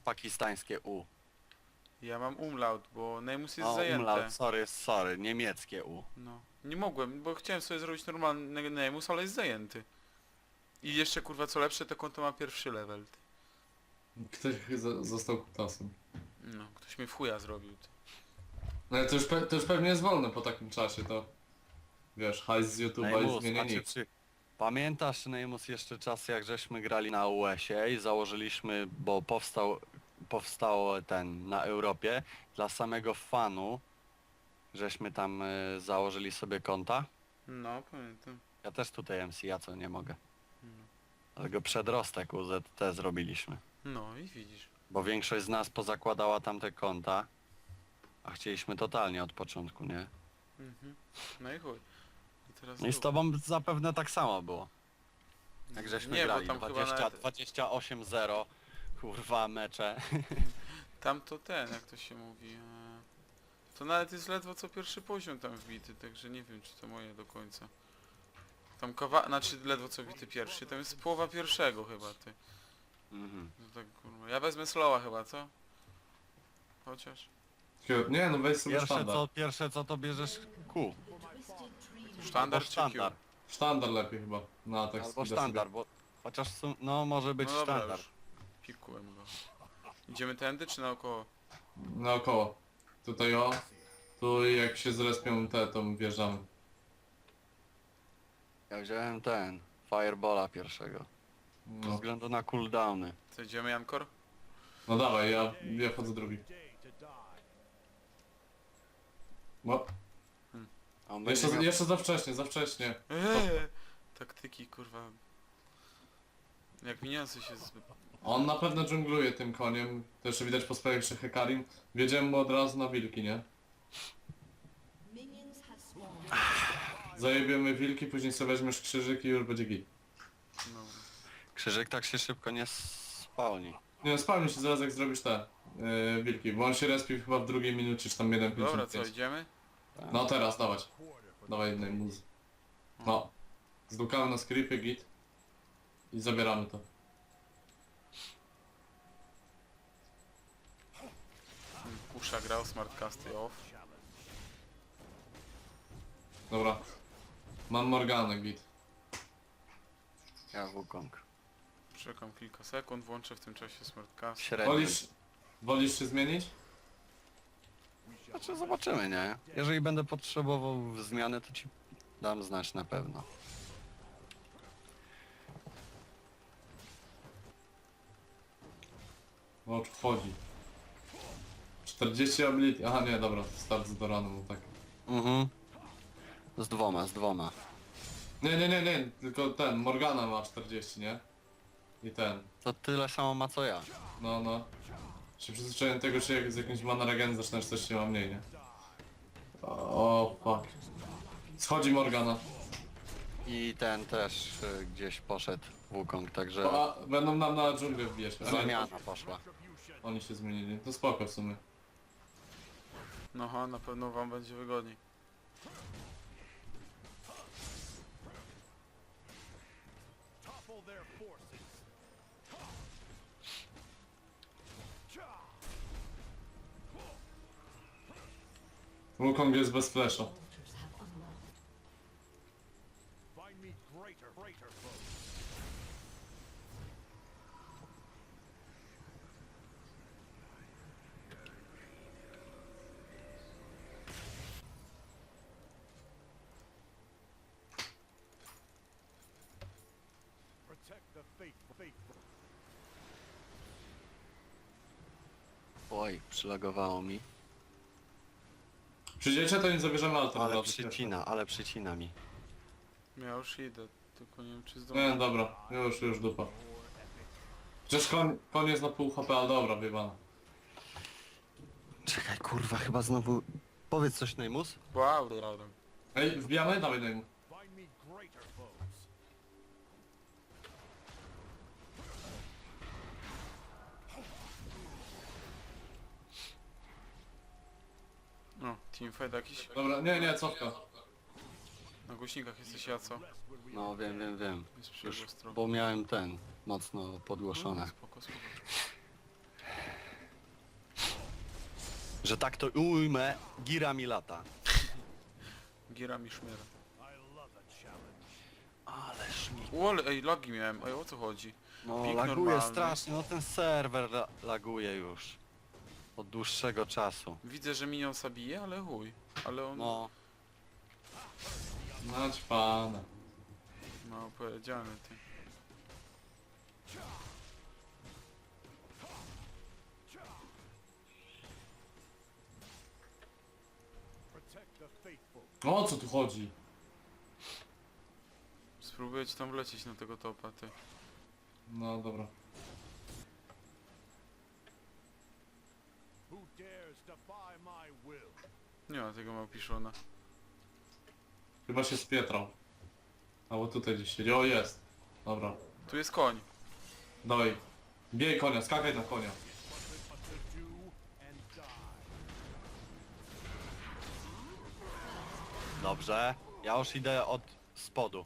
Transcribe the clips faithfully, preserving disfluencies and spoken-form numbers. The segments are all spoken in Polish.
pakistańskie U? Ja mam umlaut, bo Neymus jest O, zajęte. umlaut, sorry, sorry, niemieckie U. No. Nie mogłem, bo chciałem sobie zrobić normalny Neymus, ale jest zajęty. I jeszcze kurwa co lepsze, to konto ma pierwszy level. Ty. Ktoś za- został kutasem. No, ktoś mi w chuja zrobił. Ty. No ale to już, pe to już pewnie jest wolne po takim czasie, to... Wiesz, hajs z YouTube'a i Neymus, zmienia znaczy, nick. czy pamiętasz, Neymus, jeszcze czas, jak żeśmy grali na U S ie i założyliśmy, bo powstał, powstał ten na Europie, dla samego fanu, żeśmy tam y, założyli sobie konta? No, pamiętam. Ja też tutaj M C, ja co nie mogę. No. Ale go przedrostek U Z T zrobiliśmy. No i widzisz. Bo większość z nas pozakładała tamte konta, a chcieliśmy totalnie od początku, nie? Mhm. No i chuj. I teraz No i z tu. tobą zapewne tak samo było. Jak żeśmy Nie, grali, bo tam chyba dwadzieścia, nawet... dwadzieścia osiem zero, kurwa mecze. Tam to ten, jak to się mówi. E... To nawet jest ledwo co pierwszy poziom tam wbity, także nie wiem czy to moje do końca. Tam kawa... Znaczy ledwo co wbity pierwszy, tam jest połowa pierwszego chyba, ty. Mhm. No tak kurwa. Ja wezmę slowa chyba, co? Chociaż. Nie no, weź sobie Pierwsze sztandar. co, pierwsze co to bierzesz Q. Sztandar czy sztandar. Q? Sztandar lepiej chyba. Na atak Albo speeda sztandar, sobie. bo chociaż su- no może być No dobra, sztandar. już. Pikułem go. Idziemy tędy czy naokoło? Naokoło. Tutaj o. Tu jak się zrespią te, to wjeżdżamy. Ja wziąłem ten, Fireballa pierwszego. Ze No, względu na cooldowny. Co, idziemy Jankor? no dawaj, ja, ja wchodzę drugi. No, A on będzie jeszcze, miał... jeszcze za wcześnie, za wcześnie. Eee, taktyki kurwa. Jak miniący się z... On na pewno dżungluje tym koniem. To jeszcze widać po sprawie przy Hekarim. Wiedziałem mu od razu na wilki, nie? Zajebiemy wilki, później sobie weźmiesz krzyżyk i już będzie git. No. Krzyżyk tak się szybko nie spalni. Nie no, spalmy się zaraz jak zrobisz te yy, wilki, bo on się respił chyba w drugiej minucie, czy tam jeden Dobra, co, idziemy? No teraz, dawać. Dawaj jednej muzy. No. Zdukamy na skrypy, git. I zabieramy to. Kusza grał, smartcasty off. Dobra. Mam Morganę, git. Ja Wukong. Czekam kilka sekund, włączę w tym czasie smartcast. Średnio. Wolisz, wolisz się zmienić? Znaczy zobaczymy, nie? Jeżeli będę potrzebował zmiany, to ci dam znać na pewno. O, wchodzi. czterdzieści ability. Aha nie, dobra, start z Doranem, no tak. Mhm. Z dwoma, z dwoma. Nie, nie, nie, nie, tylko ten, Morgana ma czterdzieści, nie? I ten. To tyle samo ma co ja. No, no. Się przyzwyczaiłem do tego, że jak z jakimś mana regen zaczynasz coś się ma mniej, nie? O, fuck. Schodzi Morgana. I ten też y, gdzieś poszedł Wukong, także O, a, będą nam na dżunglę wbijać. A nie, zamiana poszła. oni się zmienili. To spoko w sumie. No ha, na pewno wam będzie wygodniej. Wukong jest bez flesza. Find me greater, greater foes. Protect the faithful, faithful. Oj, przylagowało mi. Przyjdziecie, to nie zabierzemy altar. Ale od razu. przycina, ale przycina mi. Ja już idę, tylko nie wiem czy Nie, zdążę. dobra, już, już dupa. Przecież koń, koń jest na pół H P, ale dobra, wyjebana. Czekaj, kurwa, chyba znowu... Powiedz coś, Neymus? Wow, dobra. Ej, wbijamy? Dawaj, daj mu. Find me greater foes. No, teamfight jakiś? Dobra, nie, nie, cofka. Na głośnikach jesteś ja, co? No wiem, wiem, wiem. Jest Już, przegłos trochę. bo miałem ten, mocno podgłoszone. Spoko, spoko. Że tak to ujmę, gira mi lata. Gira mi szmiera. I love a challenge. Ależ mi... O, ale ej, lagi miałem. Ej, o co chodzi? No Pik laguje normalny. strasznie, no ten serwer la laguje już. Od dłuższego czasu. Widzę, że minionsa bije, ale chuj. Ale on... No, Nać pana. No, powiedziane ty. Protect the faithful. O co tu chodzi? Spróbuję ci tam wlecieć na tego topa, ty. No dobra. Who dares defy my will? Nie ma tego małpiszona. Chyba się spietrał. Albo tutaj gdzieś siedzi. O jest. Dobra. Tu jest koń. Dawaj. Bijaj konia, skakaj na konia. But to do and die. dobrze. Ja już idę od spodu.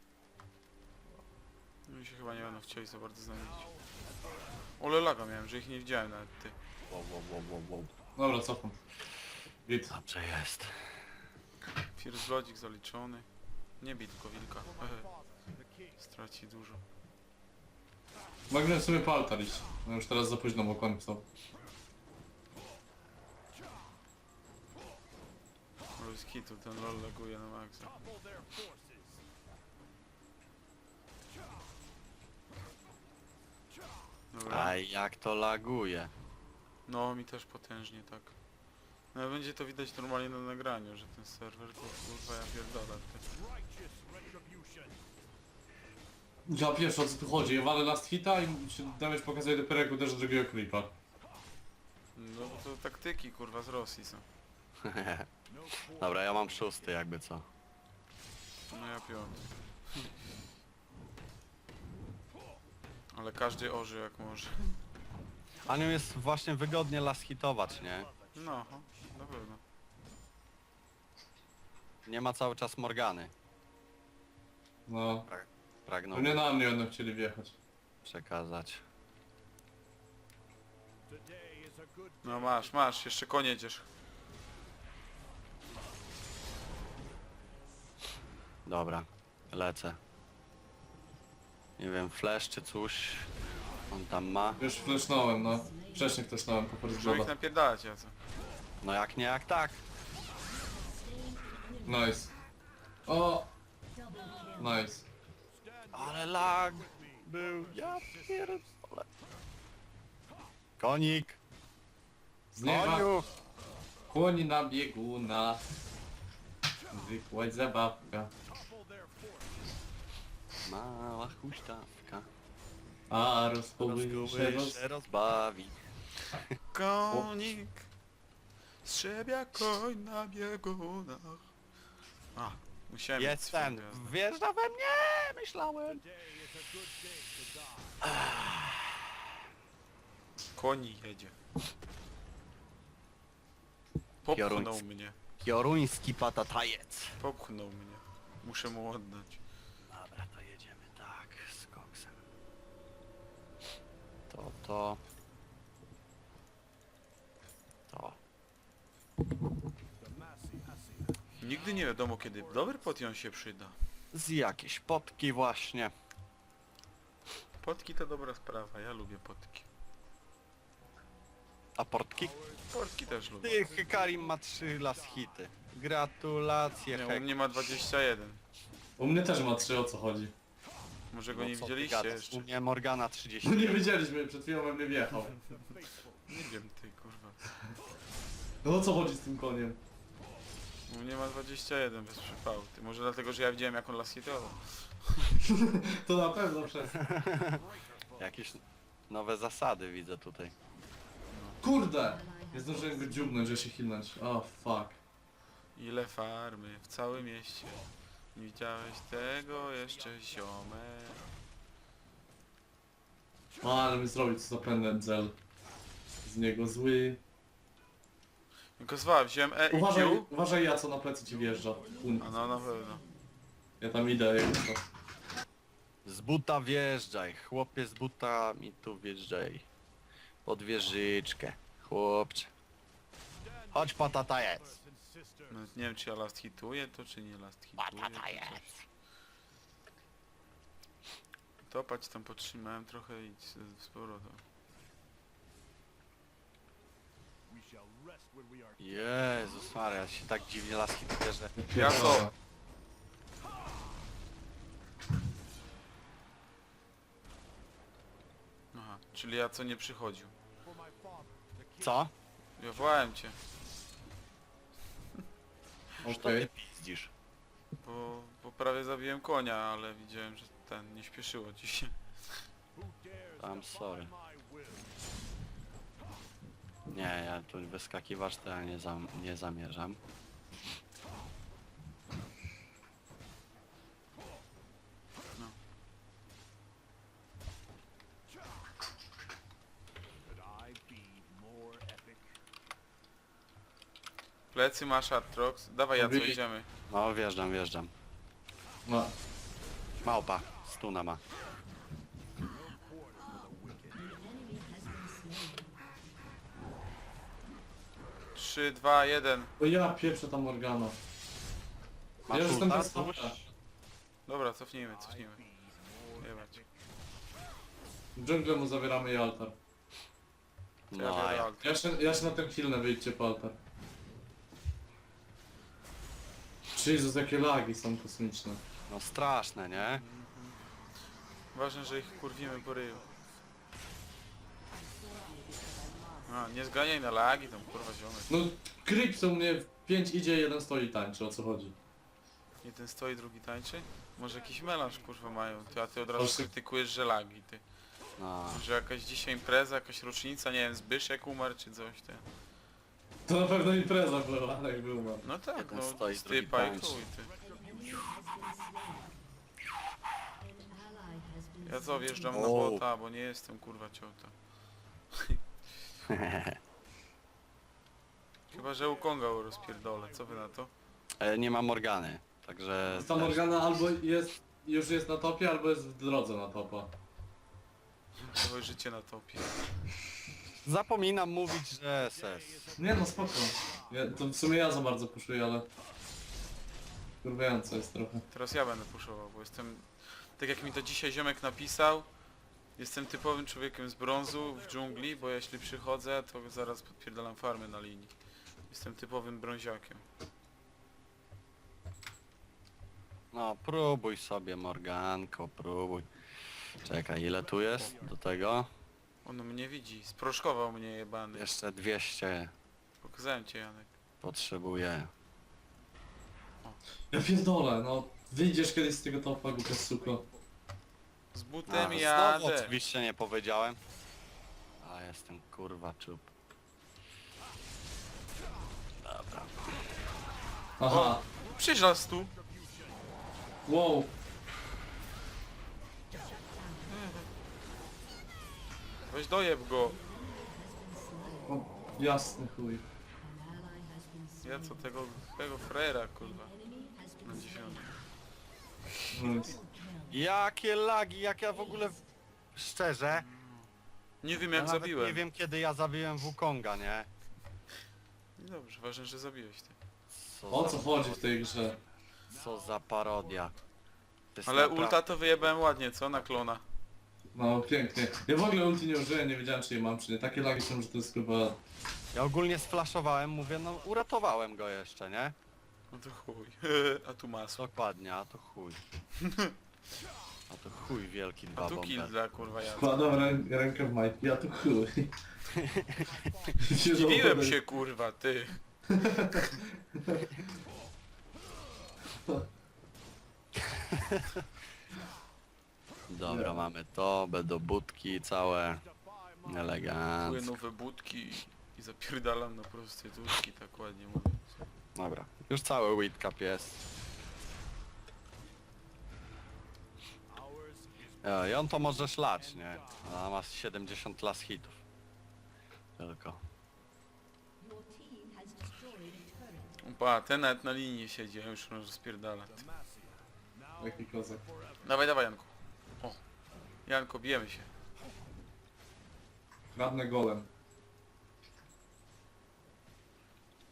Mi się chyba nie będą chcieli za bardzo znaleźć. Ole laga miałem, że ich nie widziałem nawet, ty. Wow, wow, wow, wow, wow. Dobra, cofam. Git. Dobrze jest. First Bloodzik zaliczony. Nie bij tylko wilka. Ehe, Father, the king. straci dużo. Mogłem sobie po altar iść. No już teraz za późno, bo koń wstał. Bez kitu, ten lol laguje na maksa. Topple their forces. Dobra. Aj, jak to laguje. No, mi też potężnie tak. No ale będzie to widać normalnie na nagraniu, że ten serwer to kurwa ja pierdolę. Ty. Righteous retribution. Ja pierwszy o co tu chodzi? Ja walę last hita i się damage pokazuje dopiero jak uderzę drugiego creepa. No bo to taktyki kurwa z Rosji są. No quarter. Dobra, ja mam szósty jakby co. No ja piąty. Ale każdy oży jak może. Anią jest właśnie wygodnie las hitować, nie? No, na pewno. Nie ma cały czas Morgany. No. Pragnął Pewnie na mnie będą chcieli wjechać. przekazać. Today is a good No masz, masz, jeszcze koń jedziesz. Dobra, lecę. Nie wiem, flash czy coś. On tam ma. Już flashnąłem, no. Wcześniej flashnąłem po first Muszę ich blooda. napierdalać, ja co? No jak nie, jak tak. Nice. O! Nice. Ale lag był. Ja pierdolę. Konik. Z nieba Koniu. koni na bieguna. Zwykła zabawka. topple their forces. Mała huśtawka. A rozpoły się Rozguby roz... się rozbawi. Konik strzebia koń na biegunach. A, musiałem mieć Jest swoją ten. gwiazdę. Wjeżdża we mnie. Myślałem. Today is a good day to die. Koni jedzie. Popchnął Pioruński. mnie. Pioruński patatajec. Popchnął mnie. Muszę mu oddać. Dobra, to jedziemy tak, z koksem. To, to. To. The massy Asia. Nigdy nie wiadomo kiedy dobry potion się przyda. Z jakieś potki właśnie. Potki to dobra sprawa, ja lubię potki. A portki? Potki też lubię. Ty, Hekarim ma trzy las hity. Gratulacje, Nie, u Hek. mnie ma dwadzieścia jeden. U mnie też ma trzy, o co chodzi. Może go No nie co ty widzieliście gadasz? jeszcze. U mnie Morgana trzydzieści. No nie wiedzieliśmy, przed chwilą we mnie wjechał. Faithful. Nie wiem ty kurwa. No o co chodzi z tym koniem? U mnie ma dwadzieścia jeden bez przypału. Ty może dlatego, że ja widziałem jak on las hitował. To na pewno przez... Jakieś nowe zasady widzę tutaj. Kurde! Nie zdążyłem go dziubnąć, że się hilnąć. O, fuck. Ile farmy w całym mieście. Nie widziałeś tego jeszcze ziome. O, ale my zrobić co za pędzel. Z niego zły. Tylko zwa, wziąłem E i Uważaj, Q. uważaj ja co na plecy ci wjeżdża. Un. A no na pewno. Ja tam idę, jak to. Z buta wjeżdżaj, chłopie z buta mi tu wjeżdżaj. Pod wieżyczkę, chłopcze. Chodź patata jest. and sister. No, nie wiem czy ja last hituję to, czy nie last hituję. Patata to jest. coś. Topać tam potrzymałem trochę i z, z powrotem. We shall rest when we are Jezus Maria, się tak dziwnie las hituje, że... Ja co? Aha, czyli ja co nie przychodził. for my father, the king. Co? Ja wołałem cię, Już to Okej. ty pizdzisz. bo, bo prawie zabiłem konia, ale widziałem, że ten nie śpieszyło ci się. Who dares I'm defy sorry. my will? Nie, ja tu wyskakiwać to ja nie, zam nie zamierzam. Could I be more epic? Plecy masz Atrox, dawaj ja co Mówili- idziemy. No wjeżdżam, wjeżdżam. No. Małpa, stuna ma. trzy, dwa, jeden. O ja pieprzę ta Morgana. Masz Ja już jestem ulta? bez stopka. Dobra, cofnijmy, cofnijmy. Jebać. W dżunglę mu zabieramy i altar. To ja No, a biorę ja. alt. Ja się, ja się na tym chwilę wyjdźcie po altar. Jezus, jakie lagi są kosmiczne. No straszne, nie? Ważne, że ich kurwimy po ryju. A, nie zganiaj na lagi tam, kurwa ziomek. No, creeps u mnie w pięć idzie, jeden stoi i tańczy, o co chodzi? Jeden stoi, drugi tańczy? Może jakiś melanż kurwa mają, ty, a ty od razu Proszę. krytykujesz, że lagi, ty. No. Że jakaś dzisiaj impreza, jakaś rocznica, nie wiem, Zbyszek umarł czy coś, ty. To na pewno impreza była, ale jak był mam. No tak, Jeden no, stoi, drugi stypa i tańczy. chuj, ty. Ja co, wjeżdżam na O. bota, bo nie jestem kurwa ciota. Chyba, że u Konga rozpierdolę, co wy na to? E, nie ma Morgany, także... Ta też- Morgana albo jest, już jest na topie, albo jest w drodze na topa. Całe życie na topie. Zapominam mówić, że S S. Nie no, spoko. Ja, to w sumie ja za bardzo puszuję, ale... Kurwiające jest trochę. Teraz ja będę puszował, bo jestem... Tak jak mi to dzisiaj ziomek napisał, jestem typowym człowiekiem z brązu w dżungli, bo jeśli przychodzę, to zaraz podpierdalam farmy na linii. Jestem typowym brąziakiem. No próbuj sobie Morganko, próbuj. Czekaj, ile tu jest do tego? On mnie widzi, sproszkował mnie jebany. Jeszcze dwieście Pokazałem cię, Janek. potrzebuję. Ja pierdolę, no. Wyjdziesz kiedyś z tego topa, głupia suko. Z A, butem znowu jadę. oczywiście nie powiedziałem. A jestem kurwa czub. Dobra. Aha. Przyjdź nas tu. Wow. Weź dojeb go. O, jasny chuj. Ja co tego, tego frera kurwa. Na dziewiątym. Nic. Jakie lagi, jak ja w ogóle... w- Szczerze, Nie wiem ja jak nawet zabiłem. nie wiem kiedy ja zabiłem Wukonga, nie? No dobrze, ważne, że zabiłeś ty. Co O za, co chodzi w tej grze? co za parodia. To jest Ale naprawdę- ulta to wyjebałem ładnie, co? Na klona. No pięknie. Ja w ogóle ulti nie użyłem, nie wiedziałem czy je mam czy nie. Takie lagi są, że to jest chyba... Ja ogólnie sflaszowałem, mówię, no uratowałem go jeszcze, nie? No to chuj. A tu masło. Dokładnie, a to chuj. A to chuj wielki dwa A tu kill bomber. dla kurwa ja. Wkładam rę rękę w majtki, a tu chuj. Dziwiłem się kurwa, ty. Dobra, mamy to, będą budki całe. Kupuję Elegancko. nowe budki i zapierdalam na prostytutki, tak ładnie mówiąc. Dobra, już cały Whitcap jest. Ours is E, I on to może szlać, nie? A ma siedemdziesiąt las hitów. Tylko. Opa, ten nawet na linii siedzi, a już może spierdalać. Jaki kozak. Dawaj, dawaj Janku. O. Janko, bijemy się. Kradnę golem.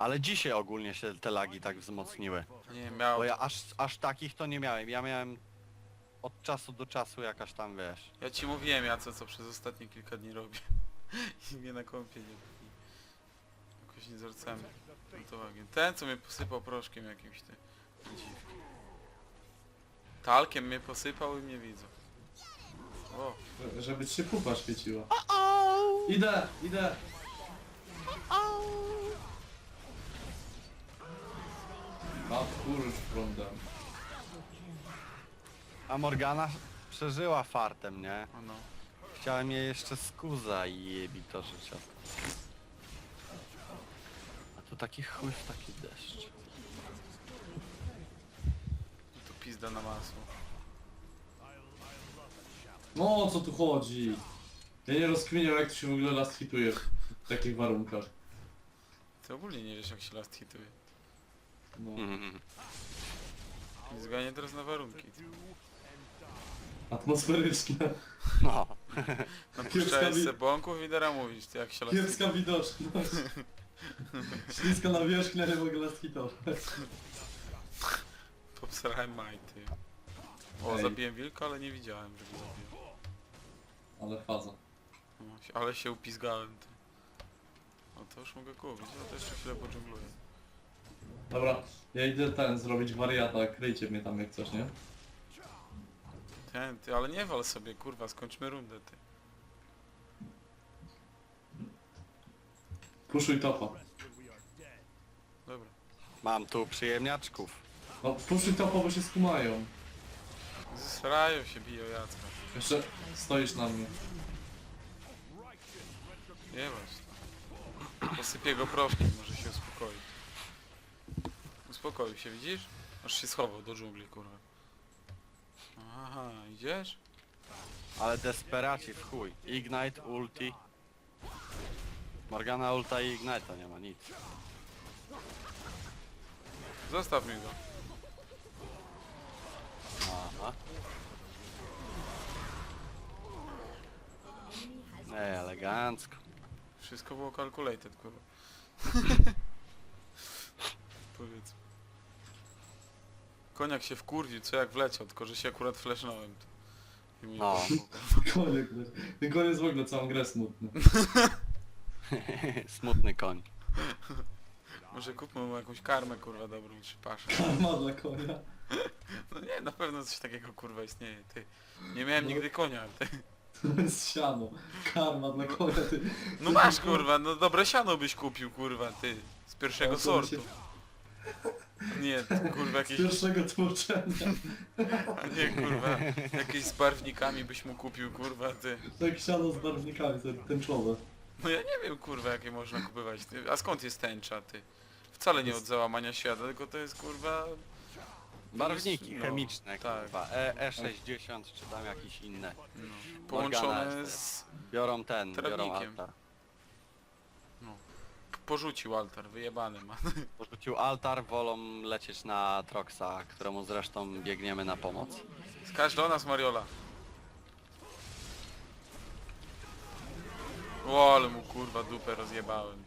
Ale dzisiaj ogólnie się te lagi tak wzmocniły. Nie, miał... Bo ja aż, aż takich to nie miałem. Ja miałem od czasu do czasu jakaś tam, wiesz. Ja ci mówiłem, ja co, co przez ostatnie kilka dni robię. I mnie na kąpie nie... Jakoś nie zwracamy na to uwagi. Ten, co mnie posypał proszkiem jakimś, ty... Dziwki. Talkiem mnie posypał i mnie widzą. O, Żeby ci się pupa świeciła. Idę, idę. A kurcz prądem. A Morgana przeżyła fartem, nie? o no. Chciałem jej jeszcze skuza i jebi to życia. A tu taki chuj w taki deszcz. To pizda na masło. No o co tu chodzi? Ja nie rozkminiam jak to się w ogóle last hituje w takich warunkach. Ty ogólnie nie wiesz jak się last hituje. No. Mhm. Nie zganie teraz na warunki. Ty. Atmosferyczne. No. Napuszczałeś wi- se bąków i teraz mówisz, ty jak się last Kiepska widoczność. Śliska nawierzchnia, nie mogę last hitować. Popsrałem majty. O, Ej. zabiłem wilka, ale nie widziałem, że go zabiłem. Ale faza. No, ale się upizgałem, ty. O, to już mogę kupić, no to jeszcze chwilę podżungluję. Dobra, ja idę ten zrobić wariata, kryjcie mnie tam jak coś, nie? Ten, ty, ale nie wal sobie, kurwa, skończmy rundę, ty. Puszuj topa. Dobra. Mam tu przyjemniaczków. No puszuj topa, bo się skumają. Zesrają się, biją Jacka. Jeszcze stoisz na mnie. Nie właśnie. Posypię go proszkiem, może się uspokoi. Uspokoił się, widzisz? Aż się schował do dżungli, kurwa. Aha, idziesz? Ale desperaci w chuj. Ignite, ulti. Morgana ulta i ignite to nie ma nic. Zostaw mi go. Aha. Ej, elegancko. Wszystko było calculated, kurwa. Powiedz. Koniak się wkurwił, co jak wleciał, tylko że się akurat flashnąłem. I mi No. Koniec, ten koniec w ogóle całą grę smutny. Smutny koń. Może kupmy mu jakąś karmę, kurwa, dobrą, czy paszę. Karma dla konia. No nie, na pewno coś takiego, kurwa, istnieje, ty. Nie miałem nigdy konia, ty. To jest siano. Karma dla konia, ty. No masz, kurwa, no dobre siano byś kupił, kurwa, ty. Z pierwszego No to sortu. się- Nie, ty, kurwa, Z jakieś... pierwszego tłoczenia. A nie, kurwa, jakieś z barwnikami byś mu kupił, kurwa, ty. Tak siano z barwnikami, te- tęczowe. No ja nie wiem, kurwa, jakie można kupować, ty. A skąd jest tęcza, ty? Wcale nie od załamania świata, tylko to jest, kurwa... Barwniki No, chemiczne, tak. kurwa. E, E60 czy tam jakieś inne. No, Morgana połączone jest z... Biorą ten, biorą Trawnikiem. altar. Porzucił altar, wyjebany ma. Porzucił altar, wolą lecieć na Troxa, któremu zresztą biegniemy na pomoc. Skaż do nas, Mariola. O, ale mu kurwa dupę rozjebałem.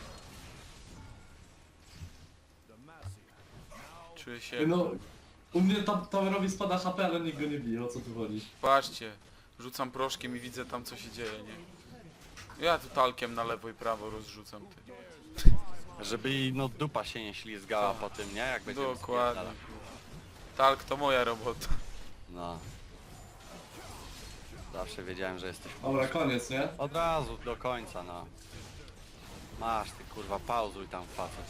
Czuję się... No, u mnie tam towerowi spada H P, ale nikt go nie bije, o co tu chodzi? Patrzcie, rzucam proszkiem i widzę tam co się dzieje, nie? Ja tu talkiem na lewo i prawo rozrzucam, ty. Żeby jej no dupa się nie ślizgała po tym, nie? Jak będziemy Dokładnie, spierdalać. kurwa. Talk to moja robota. No. Zawsze wiedziałem, że jesteś... Dobra, koniec, nie? Od razu, do końca, no. Masz ty kurwa, pauzuj tam facet.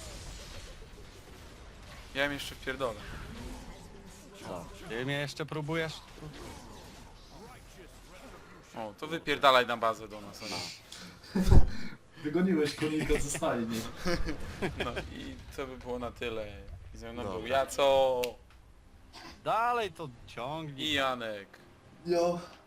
Ja im jeszcze wpierdolę. Co? Ty mnie jeszcze próbujesz? O, to wypierdalaj na bazę do nas, o nie. Wygoniłeś konika ze stajni. No i to by było na tyle. I ze mną był Dobra. Jaco Dalej to ciągnij. i Janek. Jo.